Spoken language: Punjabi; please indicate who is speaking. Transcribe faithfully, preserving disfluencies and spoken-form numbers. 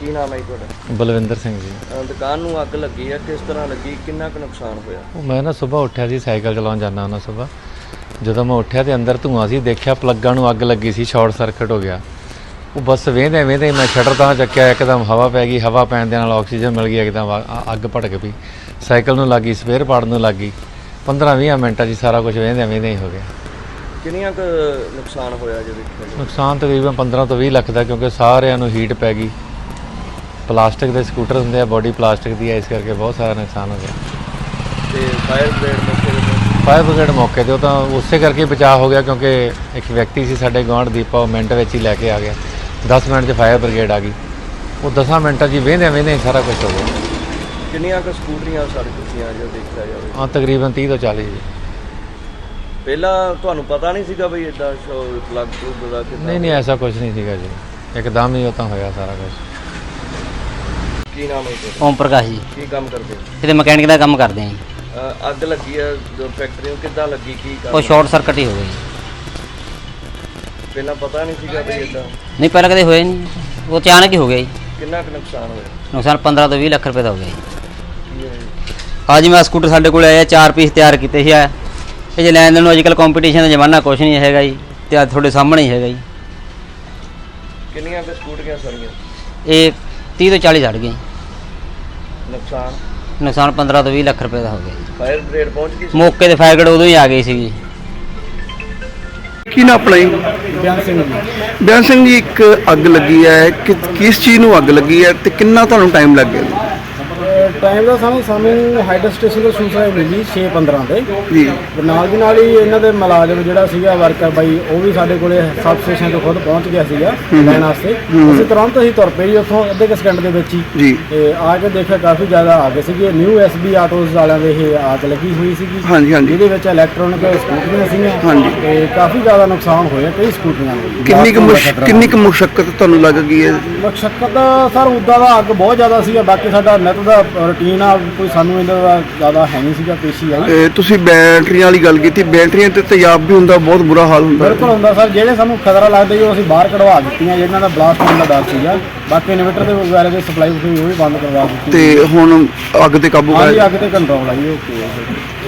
Speaker 1: ਕੀ ਨਾਮ ਹੈ ਜੀ ਤੁਹਾਡਾ?
Speaker 2: ਬਲਵਿੰਦਰ ਸਿੰਘ ਜੀ।
Speaker 1: ਦੁਕਾਨ ਨੂੰ ਅੱਗ ਲੱਗੀ ਹੈ, ਕਿਸ ਤਰ੍ਹਾਂ ਲੱਗੀ, ਕਿੰਨਾ ਕੁ ਨੁਕਸਾਨ ਹੋਇਆ?
Speaker 2: ਉਹ ਮੈਂ ਨਾ ਸੁਬਾਹ ਉੱਠਿਆ ਸੀ, ਸਾਈਕਲ ਚਲਾਉਣ ਜਾਂਦਾ ਹੁੰਦਾ ਸੁਬਾਹ। ਜਦੋਂ ਮੈਂ ਉੱਠਿਆ ਤੇ ਅੰਦਰ ਧੂੰਆਂ ਸੀ, ਦੇਖਿਆ ਪਲੱਗਾਂ ਨੂੰ ਅੱਗ ਲੱਗੀ ਸੀ, ਸ਼ਾਰਟ ਸਰਕਟ ਹੋ ਗਿਆ। ਉਹ ਬਸ ਵੇਂਦੇ ਵੇਂਦੇ ਮੈਂ ਸ਼ਟਰ ਤਾਂ ਚੱਕਿਆ, ਇੱਕਦਮ ਹਵਾ ਪੈ ਗਈ, ਹਵਾ ਪੈਣ ਦੇ ਨਾਲ ਆਕਸੀਜਨ ਮਿਲ ਗਈ, ਇੱਕਦਮ ਅੱਗ ਭੜਕ ਪਈ। ਸਾਈਕਲ ਨੂੰ ਲੱਗੀ, ਸਪੇਅਰ ਪਾਰਟ ਨੂੰ ਲੱਗੀ। ਪੰਦਰਾਂ ਵੀਹ ਮਿੰਟਾਂ 'ਚ ਸਾਰਾ ਕੁਝ ਵੇਂਦੇ ਵੇਂਦੇ ਹੀ ਹੋ ਗਿਆ।
Speaker 1: ਕਿੰਨੀਆਂ ਕੁ ਨੁਕਸਾਨ ਹੋਇਆ ਜੇ ਵੇਖਿਆ?
Speaker 2: ਨੁਕਸਾਨ ਤਕਰੀਬਨ ਪੰਦਰਾਂ ਤੋਂ ਵੀਹ ਲੱਖ ਦਾ, ਕਿਉਂਕਿ ਸਾਰਿਆਂ ਨੂੰ ਹੀਟ ਪੈ ਗਈ। ਪਲਾਸਟਿਕ ਦੇ ਸਕੂਟਰ ਹੁੰਦੇ ਆ, ਬੋਡੀ ਪਲਾਸਟਿਕ ਦੀ ਹੈ, ਇਸ ਕਰਕੇ ਬਹੁਤ ਸਾਰਾ ਨੁਕਸਾਨ ਹੋ ਗਿਆ।
Speaker 1: ਤੇ ਫਾਇਰ ਬ੍ਰਿਗੇਡ ਮੌਕੇ ਤੇ
Speaker 2: ਫਾਇਰ ਬ੍ਰਿਗੇਡ ਮੌਕੇ 'ਤੇ ਉਹ ਤਾਂ ਉਸੇ ਕਰਕੇ ਬਚਾਅ ਹੋ ਗਿਆ, ਕਿਉਂਕਿ ਇੱਕ ਵਿਅਕਤੀ ਸੀ ਸਾਡੇ ਗੁਆਂਢ ਦੀਪਾ, ਉਹ ਮਿੰਟ ਵਿੱਚ ਹੀ ਲੈ ਕੇ ਆ ਗਿਆ। ਦਸ ਮਿੰਟ 'ਚ ਫਾਇਰ ਬ੍ਰਿਗੇਡ ਆ ਗਈ। ਉਹ ਦਸਾਂ ਮਿੰਟਾਂ 'ਚ ਹੀ ਵਹਿੰਦੇ ਵਹਿੰਦੇ ਸਾਰਾ ਕੁਝ ਹੋ ਗਿਆ।
Speaker 1: ਕਿੰਨੀਆਂ ਕੁ ਸਕੂਟਰੀਆਂ ਸੜ ਚੁੱਕੀਆਂ ਜੋ ਦੇਖਿਆ ਜਾਵੇ?
Speaker 2: ਹਾਂ, ਤਕਰੀਬਨ ਤੀਹ ਤੋਂ ਚਾਲੀ ਜੀ।
Speaker 1: ਪਹਿਲਾਂ ਤੁਹਾਨੂੰ ਪਤਾ ਨਹੀਂ ਸੀਗਾ ਬਈ ਇਦਾਂ ਪਲੱਗ ਪਲੁੱਗ ਦਾ ਕਿੱਦਾਂ?
Speaker 2: ਨਹੀਂ ਨਹੀਂ, ਐਸਾ ਕੁਝ ਨਹੀਂ ਸੀਗਾ ਜੀ, ਇੱਕਦਮ ਹੀ ਉਹ ਤਾਂ ਹੋਇਆ ਸਾਰਾ ਕੁਝ।
Speaker 1: ਕੀ ਨਾਮ ਹੈ ਤੁਹਾਡਾ?
Speaker 3: ਓਮ ਪ੍ਰਕਾਸ਼ ਜੀ।
Speaker 1: ਕੀ ਕੰਮ ਕਰਦੇ ਹੋ?
Speaker 3: ਇਹਦੇ ਮਕੈਨਿਕ ਦਾ ਕੰਮ ਕਰਦੇ ਹਾਂ ਜੀ।
Speaker 1: ਅ, ਅੱਗ ਲੱਗੀ ਹੈ ਜੋ ਫੈਕਟਰੀ ਨੂੰ, ਕਿੱਦਾਂ ਲੱਗੀ, ਕੀ
Speaker 3: ਉਹ
Speaker 1: ਕਾਰਨ?
Speaker 3: ਸ਼ਾਰਟ ਸਰਕਟ ਹੀ ਹੋ ਗਈ।
Speaker 1: ਪਹਿਲਾਂ ਪਤਾ ਨਹੀਂ ਸੀਗਾ ਬਈ ਇਦਾਂ?
Speaker 3: ਨਹੀਂ, ਪਹਿਲਾਂ ਕਦੇ ਹੋਇਆ ਨਹੀਂ, ਉਹ ਅਚਾਨਕ ਹੀ ਹੋ ਗਿਆ ਜੀ।
Speaker 1: ਕਿੰਨਾ ਕੁ ਨੁਕਸਾਨ ਹੋਇਆ?
Speaker 3: ਨੁਕਸਾਨ ਪੰਦਰਾਂ ਤੋਂ ਵੀਹ ਲੱਖ ਰੁਪਏ ਦਾ ਹੋ ਗਿਆ ਜੀ।
Speaker 1: ਕੀ ਹੋਇਆ ਜੀ?
Speaker 3: ਅੱਜ ਮੈਂ ਸਕੂਟਰ ਸਾਡੇ ਕੋਲ ਆਇਆ, ਚਾਰ ਪੀਸ ਤਿਆਰ ਕੀਤੇ ਸੀ। ਇਹ ਜੇ ਲੈਣ ਦੇਣ ਨੂੰ ਅੱਜ ਕੱਲ੍ਹ ਕੰਪੀਟੀਸ਼ਨ ਦਾ ਜ਼ਮਾਨਾ ਕੁਛ ਨਹੀਂ ਹੈਗਾ ਜੀ, ਤੇ ਅੱਜ ਤੁਹਾਡੇ ਸਾਹਮਣੇ ਹੀ ਹੈਗਾ ਜੀ।
Speaker 1: ਕਿੰਨੀਆਂ ਕੁ ਸਕੂਟਰੀਆਂ ਸੜੀਆਂ?
Speaker 3: ਇਹ ਤੀਹ ਤੋਂ ਚਾਲੀ ਸੜ ਗਏ।
Speaker 1: ਨੁਕਸਾਨ
Speaker 3: ਨੁਕਸਾਨ ਪੰਦਰਾਂ ਤੋਂ ਵੀਹ ਲੱਖ ਰੁਪਏ ਦਾ ਹੋ ਗਿਆ ਜੀ।
Speaker 1: ਫਾਇਰ ਬ੍ਰਿਗੇਡ ਪਹੁੰਚ ਗਈ ਸੀ?
Speaker 3: ਮੌਕੇ ਤੇ ਫਾਇਰ ਬ੍ਰਿਗੇਡ ਉਦੋਂ ਹੀ ਆ ਗਈ ਸੀ ਜੀ।
Speaker 4: ਕੀ ਨਾ ਆਪਣਾ ਜੀ?
Speaker 5: ਬਿਆਨ ਸਿੰਘ ਜੀ।
Speaker 4: ਬਿਆਨ ਸਿੰਘ ਜੀ, ਇੱਕ ਅੱਗ ਲੱਗੀ ਹੈ, ਕਿ ਕਿਸ ਚੀਜ਼ ਨੂੰ ਅੱਗ ਲੱਗੀ ਹੈ ਤੇ ਕਿੰਨਾ ਤੁਹਾਨੂੰ ਟਾਈਮ ਲੱਗ ਗਿਆ?
Speaker 5: ਟਾਈਮ ਦਾ ਸਾਨੂੰ ਸਾਨੂੰ ਹਾਈਡਰ ਸਟੇਸ਼ਨ ਤੋਂ ਸੂਚਨਾ ਮਿਲੀ ਛੇ ਪੰਦਰਾਂ ਤੇ
Speaker 4: ਜੀ।
Speaker 5: ਨਾਲ ਦੀ ਨਾਲ ਹੀ ਇਹਨਾਂ ਦੇ ਮੁਲਾਜ਼ਮ ਜਿਹੜਾ ਸੀਗਾ ਵਰਕਰ ਬਾਈ, ਉਹ ਵੀ ਸਾਡੇ ਕੋਲੇ ਸਬ ਸਟੇਸ਼ਨ ਤੋਂ ਖੁਦ ਪਹੁੰਚ ਗਿਆ ਸੀਗਾ ਲੈਣ ਵਾਸਤੇ। ਅਸੀਂ ਤੁਰੰਤ ਹੀ ਤੁਰ ਪਏ ਜੀ ਉੱਥੋਂ, ਅੱਧੇ ਕੁ ਸਕਿੰਟ ਦੇ ਵਿੱਚ ਹੀ।
Speaker 4: ਜੀ।
Speaker 5: ਤੇ ਆ ਕੇ ਦੇਖਿਆ ਕਾਫੀ ਜ਼ਿਆਦਾ ਆ ਗਏ ਸੀਗੇ। ਨਿਊ ਐਸ ਬੀ ਆਟੋਜ਼ ਵਾਲਿਆਂ ਦੇ ਇਹ ਆਗ ਲੱਗੀ ਹੋਈ ਸੀਗੀ।
Speaker 4: ਹਾਂਜੀ ਹਾਂਜੀ।
Speaker 5: ਜਿਹਦੇ ਵਿੱਚ ਇਲੈਕਟ੍ਰੋਨਿਕ ਸਕੂਟਰੀਆਂ ਸੀਗੀਆਂ।
Speaker 4: ਹਾਂਜੀ।
Speaker 5: ਤੇ ਕਾਫੀ ਜ਼ਿਆਦਾ ਨੁਕਸਾਨ ਹੋਇਆ ਕਈ ਸਕੂਟਰੀਆਂ ਨੂੰ।
Speaker 4: ਕਿੰਨੀ ਕੁ ਮੁਸ਼- ਕਿੰਨੀ ਕੁ ਮੁਸ਼ੱਕਤ ਤੁਹਾਨੂੰ ਲੱਗ ਗਈ ਹੈ?
Speaker 5: ਮੁਸ਼ੱਕਤ ਸਰ ਉੱਦਾਂ ਦਾ ਅੱਗ ਬਹੁਤ ਜ਼ਿਆਦਾ ਸੀਗਾ। ਬਾਕੀ ਸਾਡਾ ਨਿੱਤ ਦਾ ਰੂਟੀਨ ਆ, ਕੋਈ ਸਾਨੂੰ ਇਹਦਾ ਦਾ ਜ਼ਿਆਦਾ ਹੈ ਨਹੀਂ ਸੀਗਾ, ਪੇਸ਼ੀ ਆਈ।
Speaker 4: ਇਹ ਤੁਸੀਂ ਬੈਟਰੀਆਂ ਵਾਲੀ ਗੱਲ ਕੀਤੀ, ਬੈਟਰੀਆਂ ਤੇ ਤੇਜ਼ਾਬ ਵੀ ਹੁੰਦਾ, ਬਹੁਤ ਬੁਰਾ ਹਾਲ ਹੁੰਦਾ।
Speaker 5: ਬਿਲਕੁਲ ਹੁੰਦਾ ਸਰ। ਜਿਹੜੇ ਸਾਨੂੰ ਖਤਰਾ ਲੱਗਦਾ ਜੀ ਉਹ ਅਸੀਂ ਬਾਹਰ ਕਢਵਾ ਦਿੱਤੀਆਂ, ਜਿਹਨਾਂ ਦਾ ਬਲਾਸਟ ਹੋਣ ਦਾ ਡਰ ਸੀਗਾ। ਬਾਕੀ ਇਨਵੇਟਰ ਦੇ ਵਗੈਰਾ ਦੀ ਸਪਲਾਈ ਉਹ ਵੀ ਬੰਦ ਕਰਵਾ ਦਿੱਤੀ।
Speaker 4: ਤੇ ਹੁਣ ਅੱਗ ਤੇ ਕਾਬੂ
Speaker 5: ਹਾਂਜੀ,
Speaker 4: ਪਾਇਆ?
Speaker 5: ਅੱਗ ਤੇ ਕੰਟਰੋਲ ਆਈ, ਓਕੇ।